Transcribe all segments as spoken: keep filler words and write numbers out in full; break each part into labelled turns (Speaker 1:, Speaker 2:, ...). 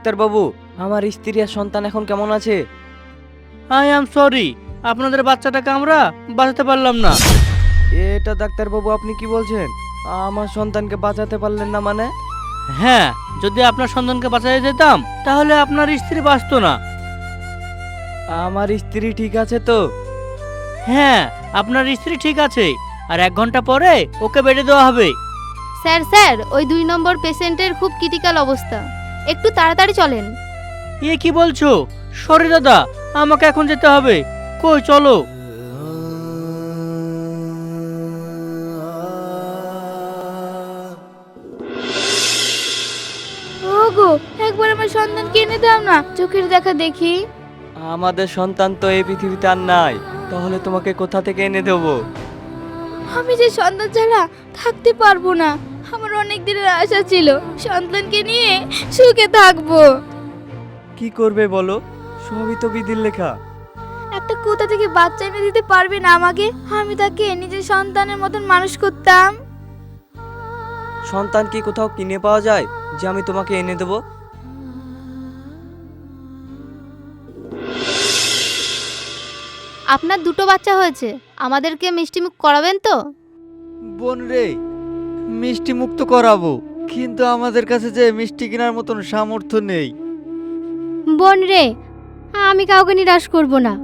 Speaker 1: ডাক্তারবাবু, আমার স্ত্রী আর সন্তান এখন কেমন আছে?
Speaker 2: আই এম সরি, আপনাদের বাচ্চাটাকে আমরা বাঁচাতে পারলাম না।
Speaker 1: এটা ডাক্তারবাবু আপনি কি বলছেন? আমার সন্তানকে বাঁচাতে পারলেন না মানে?
Speaker 2: হ্যাঁ, যদি আপনার সন্তানকে বাঁচাতে যেতাম তাহলে আপনার স্ত্রী বাঁচতো না।
Speaker 1: আমার স্ত্রী ঠিক আছে তো?
Speaker 2: হ্যাঁ, আপনার স্ত্রী ঠিক আছে, আর এক ঘন্টা পরে ওকে বেডে দেওয়া হবে।
Speaker 3: স্যার স্যার ওই দুই নম্বর পেশেন্টের খুব ক্রিটিক্যাল অবস্থা, একটু তাড়াতাড়ি চলেন।
Speaker 2: এ কি বলছো? সরি দাদা, আমাকে এখন যেতে হবে। কই চলো।
Speaker 3: ওগো, একবার আমার সন্তানকে এনে দাও না, চোখের দেখা দেখি।
Speaker 1: আমাদের সন্তান তো এই পৃথিবীতে আর নাই, তাহলে তোমাকে কোথা থেকে এনে দেবো?
Speaker 3: আমি যে সন্তান ছাড়া থাকতে পারবো না। আমার অনেক দিনের আশা ছিল সন্তানকে নিয়ে সুখে থাকবো।
Speaker 1: কি করবে বলো? সবই তো বিধির লেখা।
Speaker 3: একটা কোথা থেকে বাচ্চা এনে দিতে পারবে না আমাকে? আমি তাকে নিজের সন্তানের মতন মানুষ করতাম।
Speaker 1: সন্তান কি কোথাও কিনে পাওয়া যায় যে আমি তোমাকে এনে দেবো?
Speaker 3: আপনার দুটো বাচ্চা হয়েছে, আমাদেরকে মিষ্টিমুখ করাবেন তো?
Speaker 4: বোন রে, মিষ্টি মুক্ত করাবো, কিন্তু আমাদের কাছে যে মিষ্টি কেনার মতন সামর্থ্য নেই।
Speaker 3: বোন রে, আমি কাউকে নিরাশ করব না।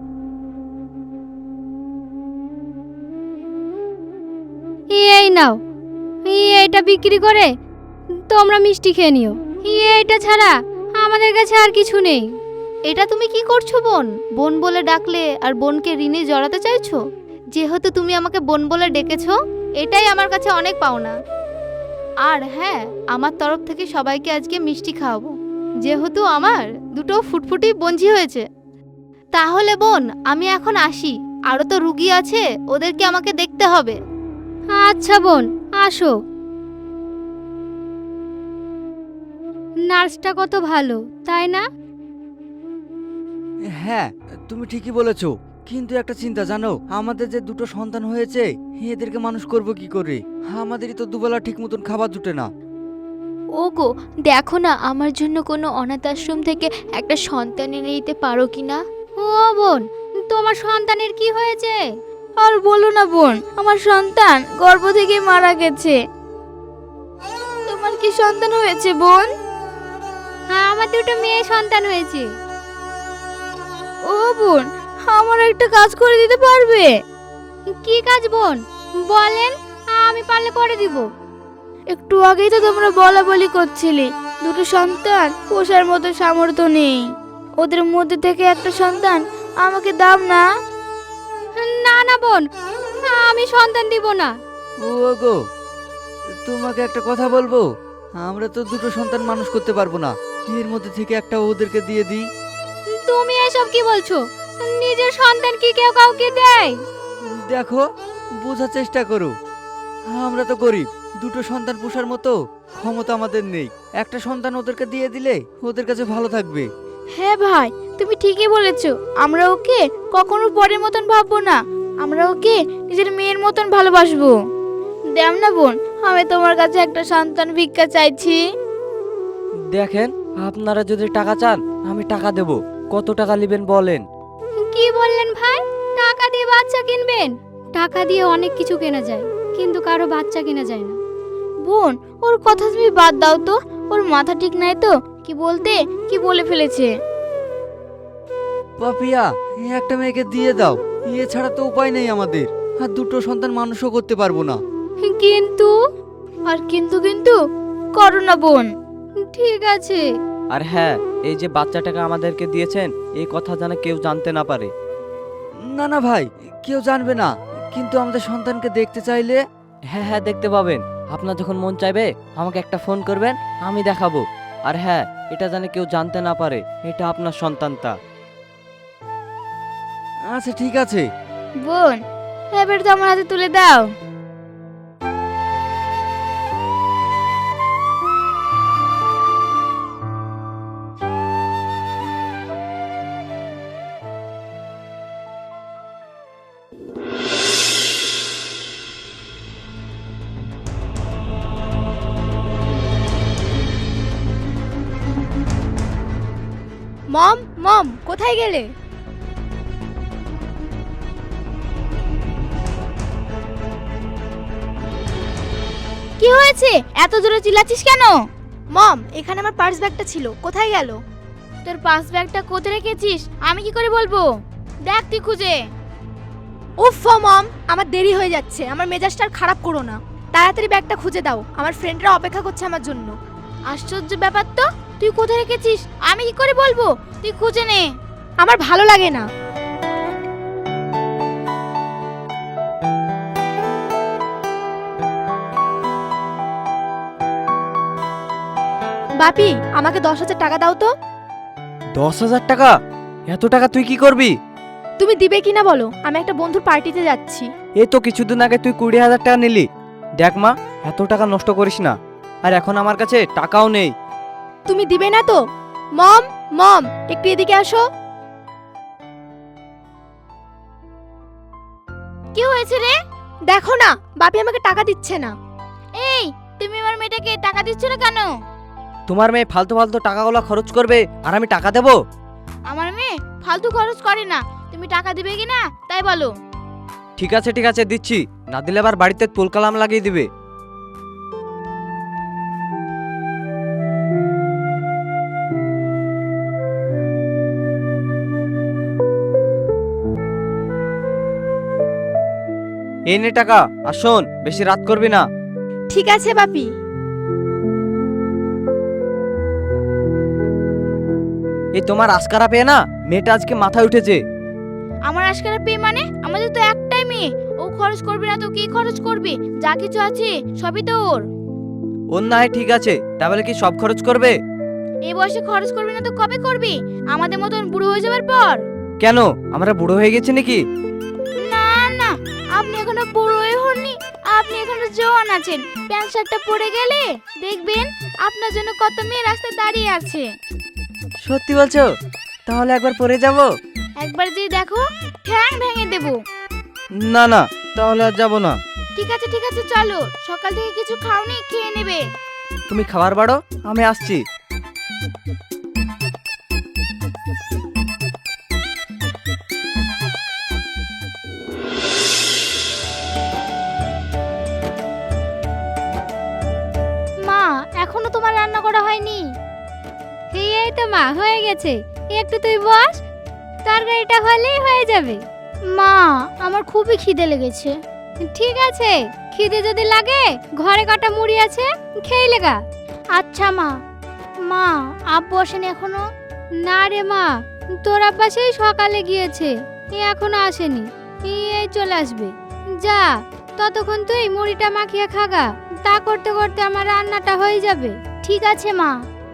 Speaker 3: এই নাও, এইটা বিক্রি করে তোমরা মিষ্টি খেয়ে নিও। এইটা ছাড়া আমাদের কাছে আর কিছু নেই। এটা তুমি কি করছো বোন? বোন বলে ডাকলে আর বোনকে ঋণে জড়াতে চাইছো? যেহেতু তুমি আমাকে বোন বলে ডেকেছো, এটাই আমার কাছে অনেক পাওনা। আর হ্যাঁ, আমার তরফ থেকে সবাইকে আজকে মিষ্টি খাওয়াবো, যেহেতু আমার দুটো ফুটফুটি বঞ্জি হয়েছে। তাহলে বোন, আমি এখন আসি, আরও তো রুগী আছে, ওদেরকে আমাকে দেখতে হবে। আচ্ছা বোন, আসো। নার্সটা কত ভালো, তাই না?
Speaker 4: হ্যাঁ, তুমি ঠিকই বলেছো, কিন্তু একটা চিন্তা জানো, আমাদের যে দুটো সন্তান হয়েছে এদেরকে মানুষ করব কি করে? আমাদেরই তো দুবেলা ঠিক মতন খাবার জুটে না।
Speaker 3: ওগো, দেখো না আমার জন্য কোনো অনাথ আশ্রম থেকে একটা সন্তান এনে দিতে পারো কি না? ও বোন, তোমার সন্তানের কি হয়েছে? আর বলো না বোন, আমার সন্তান গর্ভ থেকে মারা গেছে। তোমার কি সন্তান হয়েছে বোন? হ্যাঁ, আমার দুটো মেয়ে সন্তান হয়েছে। ও বোন, আমার একটা কাজ করে দিতে পারবে? কি কাজ বোন, বলেন, আমি পারলে করে দিব। একটু আগেই তো তোমরা বলা বলি করছিলে দুটো সন্তান পোষার মতো সামর্থ্য নেই, ওদের মধ্যে থেকে একটা সন্তান আমাকে দাও না। না না বোন, আমি সন্তান দিব না।
Speaker 4: ও গো, তোমাকে একটা কথা বলবো, আমরা তো দুটো সন্তান মানুষ করতে পারবো না, এর মধ্যে থেকে একটা ওদেরকে দিয়ে দিই।
Speaker 3: তুমি এসব কি বলছো? নিজের সন্তান কি কেউ কাউকে দেয়?
Speaker 4: দেখো, বোঝার চেষ্টা করো, আমরা তো গরিব, দুটো সন্তান পোষার মতো ক্ষমতা আমাদের নেই। একটা সন্তান ওদেরকে দিয়ে দিলে ওদের কাছে ভালো থাকবে।
Speaker 3: হ্যাঁ ভাই, তুমি ঠিকই বলেছো, আমরা ওকে কখনো পরের মতন ভাববো না, আমরা ওকে নিজের মেয়ের মতন ভালোবাসবো। দেও না বোন, আমি তোমার কাছে একটা সন্তান ভিক্ষা চাইছি।
Speaker 1: দেখেন, আপনারা যদি টাকা চান আমি টাকা দেব। কত টাকা নেবেন বলেন?
Speaker 3: কি বললেন ভাই? টাকা দিয়ে বাচ্চা কিনবেন? টাকা দিয়ে অনেক কিছু কেনা যায়, কিন্তু কারো বাচ্চা কেনা যায় না। বোন, ওর কথা তুমি বাদ দাও তো, ওর মাথা ঠিক নাই তো, কি বলতে কি বলে ফেলেছে।
Speaker 4: পাপিয়া, এই একটা মেয়েকে দিয়ে দাও, এছাড়া তো উপায় নেই আমাদের, আর দুটো সন্তান মানুষও করতে পারবো না।
Speaker 3: কিন্তু আর কিন্তু কিন্তু করো না বোন। ঠিক আছে।
Speaker 1: আর হ্যাঁ, এই যে বাচ্চাটাকে আমাদেরকে দিয়েছেন এই কথা যেন কেউ জানতে না পারে।
Speaker 4: না না ভাই, কেউ জানবে না, কিন্তু আমাদের সন্তানকে দেখতে চাইলে।
Speaker 1: হ্যাঁ হ্যাঁ, দেখতে পাবেন। আপনার যখন মন চাইবে আমাকে একটা ফোন করবেন, আমি দেখাবো। আর হ্যাঁ, এটা যেন কেউ জানতে না পারে এটা আপনার সন্তানটা।
Speaker 4: আচ্ছা ঠিক আছে।
Speaker 3: বোন, এবার তো আমার হাতে তুলে দাও। মম মম কোথায় গেলে? কি হয়েছে, এত জোরে চিল্লাচ্ছিস কেন? মম, এখানে আমার পার্স ব্যাগটা ছিল, কোথায় গেল? তোর পার্স ব্যাগটা কোথায় রেখেছিস আমি কি করে বলবো? দেখ তুই খুঁজে। উফ মম, আমার দেরি হয়ে যাচ্ছে, আমার মেজাজটা আর খারাপ করো না। তাড়াতাড়ি ব্যাগটা খুঁজে দাও, আমার ফ্রেন্ডরা অপেক্ষা করছে আমার জন্য। আশ্চর্য ব্যাপার তো, তুই কোথায় রেখেছিস আমি কি করে বলবো? তুই খুঁজে নে। আমার ভালো লাগে না। বাপি, আমাকে দশ হাজার টাকা দাও তো।
Speaker 1: দশ হাজার টাকা? এত টাকা তুই কি করবি?
Speaker 3: তুমি দিবে কিনা বলো, আমি একটা বন্ধুর পার্টিতে যাচ্ছি।
Speaker 1: এই তো কিছুদিন আগে তুই কুড়ি হাজার টাকা নিলি। দেখ মা, এত টাকা নষ্ট করিস না, আর এখন আমার কাছে টাকাও নেই।
Speaker 3: তুমি দিবে না তো? মম মম, একটু এদিকে আসো। কি হয়েছে রে? দেখো না, বাপি আমাকে টাকা দিচ্ছে না। এই, তুমি আমার মেয়েটাকে টাকা দিচ্ছ না কেন?
Speaker 1: তোমার মেয়ে ফালতু ফালতু টাকাগুলো খরচ করবে আর আমি টাকা দেবো?
Speaker 3: আমার মেয়ে ফালতু খরচ করে না, তুমি টাকা দিবে কিনা তাই বলো।
Speaker 1: ঠিক আছে ঠিক আছে, দিচ্ছি। না দিলে আবার বাড়িতে তুলকালাম লাগিয়ে দিবে। এই নে টাকা, আর শোন, বেশি রাত করবি না।
Speaker 3: ঠিক আছে বাপি।
Speaker 1: এই তোমার আজকারা পেয়ে না মেয়েটা আজকে মাথায় উঠেছে।
Speaker 3: আমার আজকারা পেয়ে মানে? আমাদের তো একটাই মেয়ে, ও খরচ করবে না তো কি খরচ করবে? যা কিছু আছে সবই তো ওর।
Speaker 1: ওর না হয় ঠিক আছে, তাহলে কি সব খরচ করবে?
Speaker 3: এই বয়সে খরচ করবি না তো কবে করবি? আমাদের মতন বুড়ো হয়ে যাবার পর।
Speaker 1: কেন, আমরা বুড়ো হয়ে গেছি নাকি?
Speaker 3: না না, আপনি এখনো বুড়োই হননি, আপনি এখনো জওয়ান আছেন। প্যান্ট শার্টটা পরে গেলে দেখবেন আপনার জন্য কত মেয়ে রাস্তায় দাঁড়িয়ে আছে।
Speaker 1: সত্যি বলছো? তাহলে একবার পরে যাব।
Speaker 3: একবার যদি দেখো ঠ্যাং ভেঙে দেব।
Speaker 1: না না, তাহলে আর যাব না।
Speaker 3: ঠিক আছে ঠিক আছে, চলো, সকাল থেকে কিছু খাওনি, খেয়ে নেবে।
Speaker 1: তুমি খাবার বাড়ো, আমি আসছি।
Speaker 3: মা, এখনো তোমার রান্না করা হয়নি? এই তো মা, হয়ে গেছে, একটু তুই বস, তরকারিটা হলেই হয়ে যাবে। মা, আমার খুবই খিদে লেগেছে। ঠিক আছে, খিদে যদি লাগে ঘরে কটা মুড়ি আছে, খেয়ে লেগা। আচ্ছা মা। মা, আব্বু আসেনি এখনো? না রে মা, তোর আব্বা সেই সকালে গিয়েছে, এ এখনো আসেনি, এই চলে আসবে। যা, ততক্ষণ তুই মুড়িটা মাখিয়ে খাগা, তা করতে করতে আমার রান্নাটা হয়ে যাবে। ঠিক আছে মা।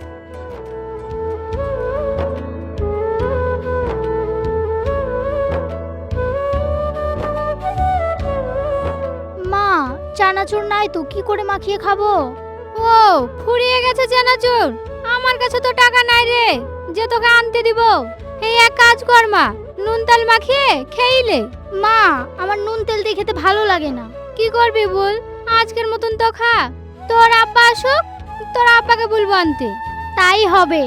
Speaker 3: মা, চানাচুর নাই তো, কি করে মাখিয়ে খাবো? ও, ফুরিয়ে গেছে চানাচুর? আমার কাছে তো টাকা নাই রে, যে তোকে আনতে দিব। এই এক কাজ কর মা, নুন তেল মাখিয়ে খেইলে। মা, আমার নুন তেল দিয়ে খেতে ভালো লাগে না। কি করবি বল, আজকের মতন তো খা, তোর আব্বা আসুক, তোর আব্বাকে বলবো আনতে। তাই হবে।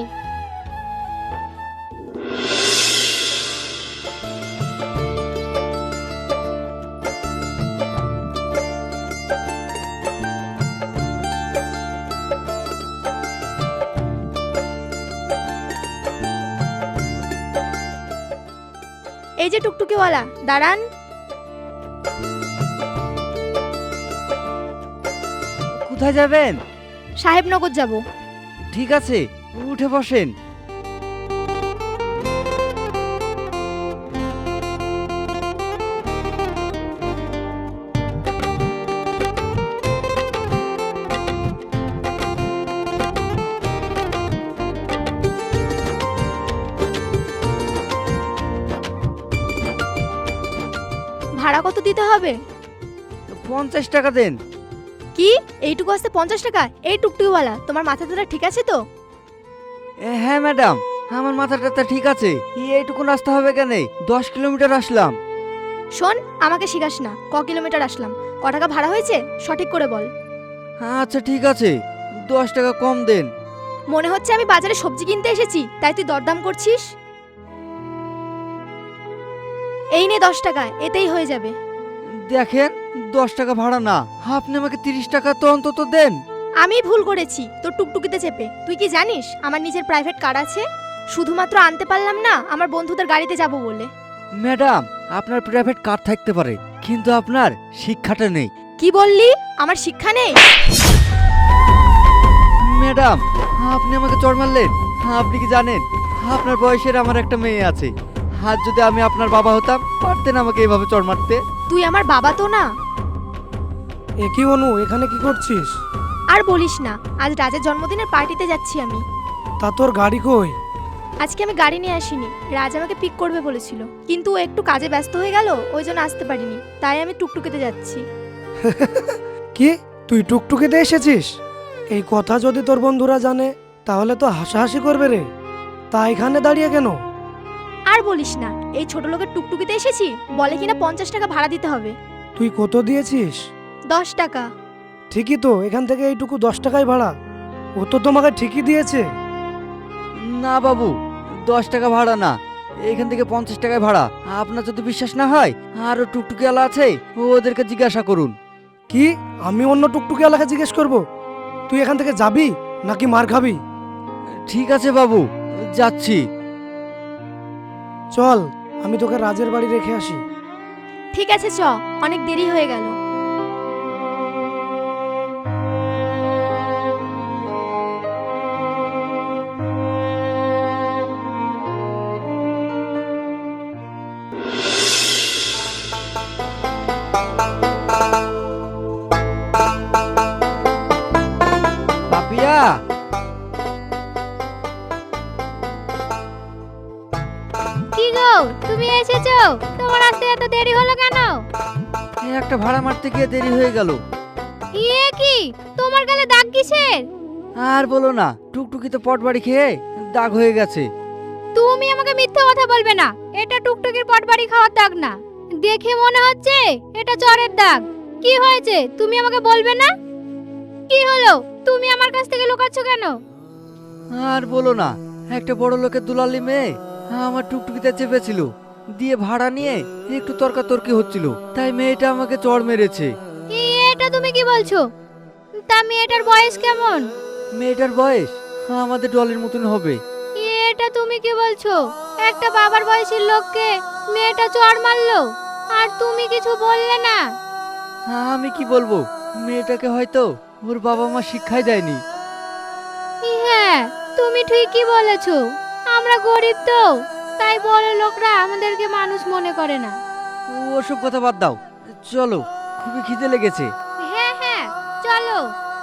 Speaker 3: এই যে টুকটুকিওয়ালা, দাঁড়ান।
Speaker 4: কোথায় যাবেন?
Speaker 3: সাহেবনগর যাব।
Speaker 4: ঠিক আছে, উঠে বসেন।
Speaker 3: ভাড়া কত দিতে হবে?
Speaker 4: পঞ্চাশ টাকা দেন।
Speaker 3: কি, এইটুকু আসতে পঞ্চাশ টাকা? এই টুকটুকিওয়ালা, তোমার মাথা ধরা ঠিক আছে তো?
Speaker 4: এ, হ্যাঁ ম্যাডাম, আমার মাথাটা তো ঠিক আছে। এইটুকু রাস্তা হবে কেন? দশ কিলোমিটার আসলাম।
Speaker 3: শোন, আমাকে শিখাস না, ক কিলোমিটার আসলাম, ক টাকা ভাড়া হয়েছে সঠিক করে বল।
Speaker 4: আচ্ছা ঠিক আছে, দশ টাকা কম দেন।
Speaker 3: মনে হচ্ছে আমি বাজারে সবজি কিনতে এসেছি, তাই তুই দরদাম করছিস। এই নে দশ টাকা, এতেই হয়ে যাবে।
Speaker 4: দেখেন, দশ টাকা ভাড়া না, আপনি আমাকে তিরিশ টাকা তো অন্তত দেন।
Speaker 3: আমি ভুল করেছি তোর টুকটুকিতে চেপে। তুই কি জানিস আমার নিজের প্রাইভেট কার আছে? শুধুমাত্র আনতে পারলাম না আমার বন্ধুদের গাড়িতে যাব বলে।
Speaker 4: ম্যাডাম, আপনার প্রাইভেট কার থাকতে পারে, কিন্তু আপনার শিক্ষাটা নেই।
Speaker 3: কি বললি? আমার শিক্ষা নেই?
Speaker 4: ম্যাডাম, আপনি আমাকে চড় মারলেন। আপনি কি জানেন আপনার বয়সের আমার একটা মেয়ে আছে? আর যদি আমি আপনার বাবা হতাম, পারতেন আমাকে এভাবে চড় মারতে?
Speaker 3: তুই আমার বাবা তো না।
Speaker 5: এ কি অনু, এখানে কি করছিস?
Speaker 3: আর বলিস না, আজ রাজের জন্মদিনের পার্টিতে যাচ্ছি আমি।
Speaker 5: তা তোর গাড়ি কই?
Speaker 3: আজকে আমি গাড়ি নিয়ে আসিনি, রাজ আমাকে পিক করবে বলেছিল, কিন্তু ও একটু কাজে ব্যস্ত হয়ে গেল, ওই জন্য আসতে পারিনি, তাই আমি টুকটুকিতে যাচ্ছি।
Speaker 5: কি, তুই টুকটুকিতে এসেছিস? এই কথা যদি তোর বন্ধুরা জানে তাহলে তো হাসাহাসি করবে রে। তা এখানে দাঁড়িয়ে কেন?
Speaker 3: আর বলিস না, এই ছোট লোকের টুকটুকিতে এসেছি, বলে কিনা পঞ্চাশ টাকা ভাড়া দিতে হবে।
Speaker 5: তুই কত দিয়েছিস?
Speaker 3: দশ টাকা।
Speaker 5: ঠিকই তো, এখান থেকে এইটুকু দশ টাকাই ভাড়া। ও তো তোমাকে ঠিকই দিয়েছে।
Speaker 4: না বাবু, দশ টাকা ভাড়া না, এখান থেকে পঞ্চাশ টাকায় ভাড়া। আপনার যদি বিশ্বাস না হয়, আরো টুকটুকি আলা আছে, ওদেরকে জিজ্ঞাসা করুন।
Speaker 5: কি, আমি অন্য টুকটুকি এলাকা জিজ্ঞেস করব? তুই এখান থেকে যাবি নাকি মার খাবি?
Speaker 4: ঠিক আছে বাবু, যাচ্ছি।
Speaker 5: চল, আমি তোকে রাজের বাড়ি রেখে আসি।
Speaker 3: ঠিক আছে চ, অনেক দেরি হয়ে গেল।
Speaker 4: পাপিয়া,
Speaker 3: কি গো, তুমি এসেছো? তোমার আসতে এত দেরি হলো কেন?
Speaker 4: এই একটা ভাড়া মারতে গিয়ে দেরি হয়ে গেল।
Speaker 3: এ কি, তোমার গালে দাগ কিসের?
Speaker 4: আর বলো না, টুকটুকিতে পট বাড়ি খেয়ে দাগ হয়ে গেছে।
Speaker 3: তুমি আমাকে মিথ্যা কথা বলবে না, এটা টুকটুকির পটবাড়ি খাওয়ার দাগ না, দেখে মনে হচ্ছে এটা চরের দাগ। কি হয়েছে তুমি আমাকে বলবে না? কি হলো, তুমি আমার কাছ থেকে লুকাচ্ছ কেন?
Speaker 4: আর বলো না, একটা বড় লোকের দুলালি মেয়ে আমার টুকটুকিতে চেপেছিল, দিয়ে ভাড়া নিয়ে একটু তর্কাতর্কি হচ্ছিল, তাই মেয়েটা আমাকে চড় মেরেছে।
Speaker 3: এটা তুমি কি বলছো? তা মেয়েটার বয়স কেমন?
Speaker 4: মেয়েটার বয়স আমাদের ডলের মতন হবে।
Speaker 3: এটা তুমি কি বলছো? একটা বাবার বয়সের লোককে মেয়েটা চড় মারলো, আর তুমি কিছু বললে না?
Speaker 4: আমি কি বলবো, মেয়েটাকে হয়তো ওর বাবা মা শিক্ষাই দেয়নি।
Speaker 3: হ্যাঁ, তুমি ঠিকই বলেছো, আমরা গরিব তো, তাই বড় লোকরা আমাদেরকে মানুষ মনে করে না।
Speaker 4: ওসব কথা বাদ দাও, চলো, খুবই খিদে লেগেছে।
Speaker 3: হ্যাঁ হ্যাঁ, চলো।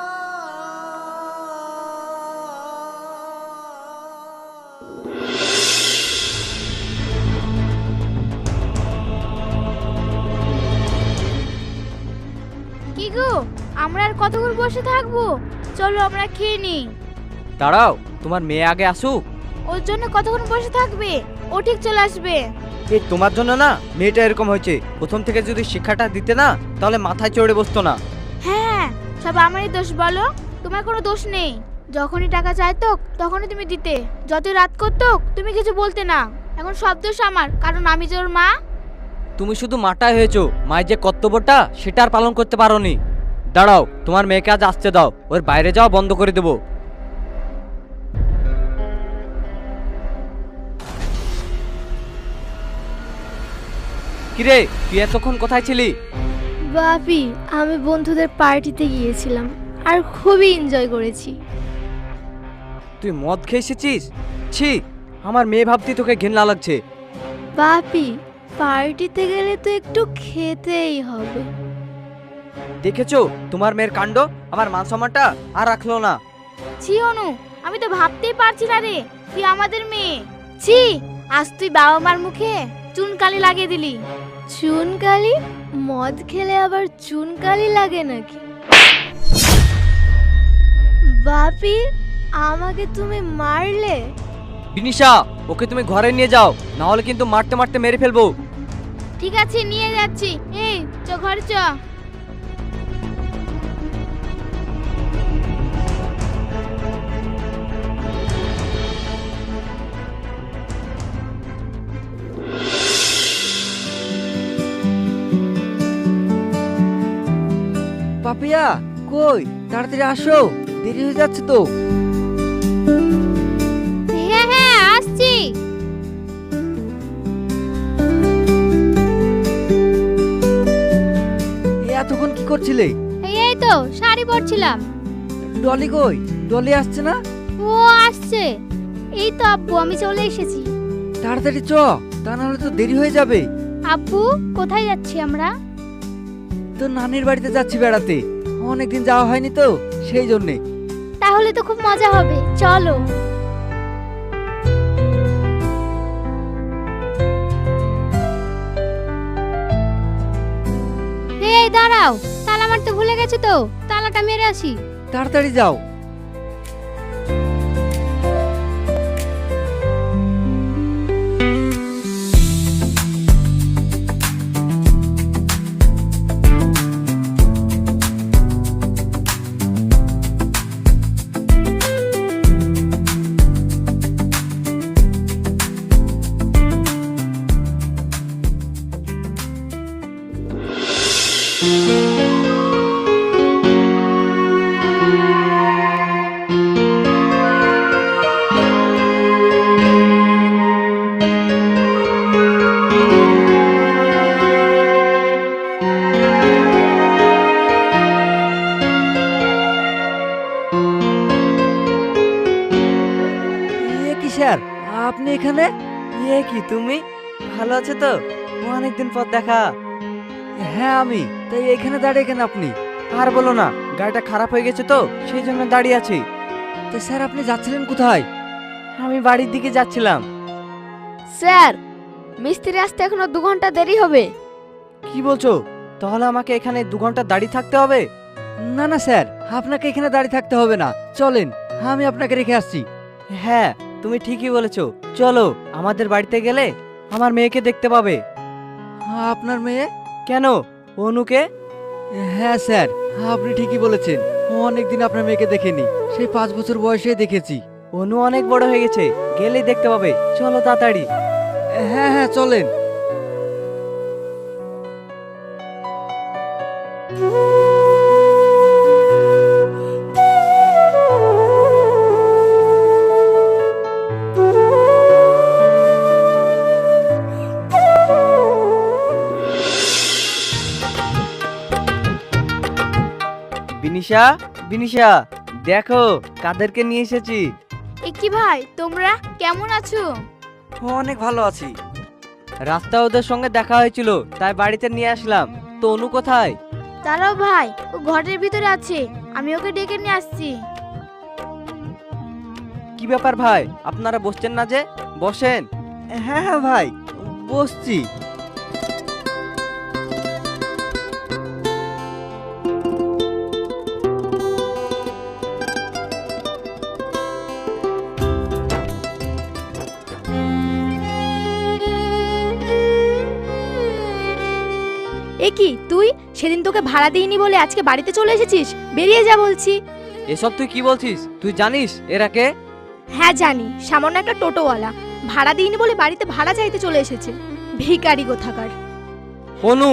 Speaker 3: কি গো, আমরা আর কতক্ষণ বসে থাকবো? চলো আমরা খেয়ে নিই।
Speaker 1: দাঁড়াও, তোমার মেয়ে আগে আসুক।
Speaker 3: ওর জন্য কতক্ষণ বসে থাকবে? ও ঠিক চলে আসবে।
Speaker 1: এই তোমার জন্য না মেয়েটা এরকম হয়েছে। প্রথম থেকে যদি শিক্ষাটা দিতে না, তাহলে মাথায় চড়ে বসতো না।
Speaker 3: হ্যাঁ, সব আমারই দোষ বলো? তোমার কোনো দোষ নেই। যখনই টাকা চাইতো তখনই তুমি দিতে, যতই রাত করতো তুমি কিছু বলতে না। এখন সব দোষ আমার, কারণ আমি যে ওর মা।
Speaker 1: তুমি শুধু মাটাই হয়েছো, মায়ের যে কর্তব্যটা সেটা আর পালন করতে পারোনি। দাঁড়াও, তোমার মেয়েকে আজ আসতে দাও, ওর বাইরে যাওয়া বন্ধ করে দেবো। কিরে, তুই এতক্ষণ কোথায় ছিলি?
Speaker 3: বাপি, আমি বন্ধুদের পার্টিতে গিয়েছিলাম আর খুবই এনজয় করেছি।
Speaker 1: তুই মদ খেয়ে এসেছিস? ছি, আমার মেয়ে ভাবতে তোকে ঘেন্না লাগছে।
Speaker 3: বাপি, পার্টিতে গেলে তো একটু খেতেই হবে।
Speaker 1: দেখেছো তোমার মেয়ের কাণ্ড, আমার মান সম্মানটা আর রাখলো না।
Speaker 3: ছি অনু, আমি তো ভাবতেই পারছি না রে, তুই আমাদের মেয়ে। ছি, আজ তুই বাবা মার মুখে চুনকালি লাগিয়ে দিলি। চুনকালি? মদ খেলে আবার চুনকালি লাগে নাকি? বাপি, আমাকে তুমি মারলে?
Speaker 1: বিনিশা, ওকে তুমি ঘরে নিয়ে যাও, না হলে কিন্তু মারতে মারতে মেরে ফেলবো।
Speaker 3: ঠিক আছে, নিয়ে যাচ্ছি। এই চ, ঘরে চ।
Speaker 4: পাপিয়া, কই তাড়াতাড়ি আসো, দেরি হয়ে যাচ্ছে তো।
Speaker 3: হ্যাঁ হ্যাঁ আসছি।
Speaker 4: এই এতক্ষণ কি করছিলে?
Speaker 3: এই এই তো শাড়ি পরছিলাম।
Speaker 4: ডলি কই? ডলি আসছে না?
Speaker 3: ও আসছে। এই তো আব্বু, আমি চলে এসেছি।
Speaker 4: তাড়াতাড়ি চ, তা নাহলে তো দেরি হয়ে যাবে।
Speaker 3: আব্বু কোথায় যাচ্ছি আমরা?
Speaker 4: তো নানির বাড়িতে যাচ্ছি বেড়াতে, অনেকদিন যাওয়া হয়নি তো সেই জন্যে।
Speaker 3: তাহলে তো খুব মজা হবে, চলো। এই দাঁড়াও, তালা মারতে ভুলে গেছো তো, তালাটা মেরে আসি।
Speaker 4: তাড়াতাড়ি যাও। এ কি স্যার, আপনি এখানে?
Speaker 1: ইয়ে কি তুমি ভালো আছো তো? অনেকদিন পর দেখা।
Speaker 4: হ্যাঁ আমি, তাই এখানে দাঁড়িয়ে কেন আপনি?
Speaker 1: আর বলো না, গাড়িটা খারাপ হয়ে গেছে তো সেই জন্য দাঁড়িয়ে আছি।
Speaker 4: তো স্যার আপনি যাচ্ছিলেন কোথায়?
Speaker 1: আমি বাড়ির দিকে যাচ্ছিলাম।
Speaker 3: স্যার, মিস্ত্রি আসতে এখনো দু ঘন্টা দেরি হবে।
Speaker 1: কি বলছো? তাহলে আমাকে এখানে দু ঘন্টা দাঁড়িয়ে থাকতে হবে?
Speaker 4: না না স্যার, আপনাকে এখানে দাঁড়িয়ে থাকতে হবে না, চলেন আমি আপনাকে রেখে আসছি।
Speaker 1: হ্যাঁ তুমি ঠিকই বলেছো, চলো। আমাদের বাড়িতে গেলে আমার মেয়েকে দেখতে পাবে।
Speaker 4: আপনার মেয়ে?
Speaker 1: কেন, অনুকে?
Speaker 4: হ্যাঁ স্যার, আপনি ঠিকই বলেছেন, অনেকদিন আপনার মেয়েকে দেখিনি, সেই পাঁচ বছর বয়সে দেখেছি।
Speaker 1: অনু অনেক বড় হয়ে গেছে, গেলেই দেখতে পাবে, চলো তাড়াতাড়ি।
Speaker 4: হ্যাঁ হ্যাঁ চলেন।
Speaker 1: বিনিশা, বিনিশা, দেখো কাদেরকে নিয়ে এসেছি।
Speaker 3: এ কি ভাই, তোমরা কেমন আছো?
Speaker 1: অনেক ভালো আছি। রাস্তা ওদের সঙ্গে দেখা হয়েছিল, তাই বাড়িতে নিয়ে আসলাম। তো অনু কোথায়?
Speaker 3: দাঁড়াও ভাই, ও ঘরের ভিতরে আছে, আমি ওকে ডেকে নিয়ে আসছি।
Speaker 1: কি ব্যাপার ভাই, আপনারা বসছেন না যে? বসেন।
Speaker 4: হ্যাঁ হ্যাঁ ভাই, বসছি।
Speaker 3: এ কি তুই, সেদিন তোকে ভাড়া দিইনি বলে আজকে বাড়িতে চলে এসেছিস? বেরিয়ে যা বলছি।
Speaker 1: এসব তুই কি বলছিস? তুই জানিস এরা কে?
Speaker 3: হ্যাঁ জানি, সামান্য একটা টোটোওয়ালা, ভাড়া দিইনি বলে বাড়িতে ভাড়া চাইতে চলে এসেছে। ভিখারি কোথাকার।
Speaker 1: অনু,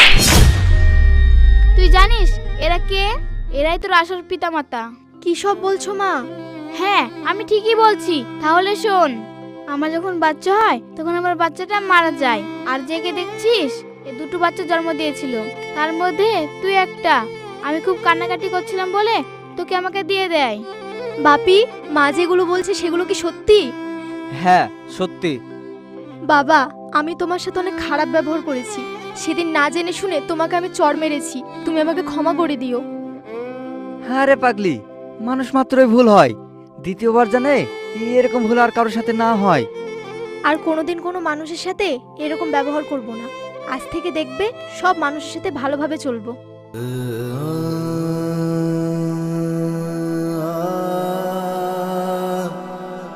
Speaker 3: তুই জানিস এরা কে? এরাই তোর আসল পিতামাতা। কি সব বলছো মা? হ্যাঁ আমি ঠিকই বলছি, তাহলে শোন। আমার যখন বাচ্চা হয় তখন আমার বাচ্চাটা মারা যায়, আর জেগে দেখছিস এ দুটো বাচ্চা জন্ম দিয়েছিল, তার মধ্যে তুই একটা। আমি খুব কান্নাকাটি করছিলাম বলে তোকে আমাকে দিয়ে দেয়। বাপি, মা যেগুলো বলছে সেগুলো কি সত্যি?
Speaker 1: হ্যাঁ সত্যি।
Speaker 3: বাবা, আমি তোমার সাথে অনেক খারাপ ব্যবহার করেছি, সেদিন না জেনে শুনে তোমাকে আমি চড় মেরেছি, তুমি আমাকে ক্ষমা করে দিও।
Speaker 4: হ্যাঁ রে পাগলি, মানুষ মাত্রই ভুল হয়, দ্বিতীয়বার জানে এরকম ভুল আর কারোর সাথে না হয়।
Speaker 3: আর কোনোদিন কোনো মানুষের সাথে এরকম ব্যবহার করব না। আজ থেকে দেখবে সব মানুষের সাথে ভালোভাবে চলবো।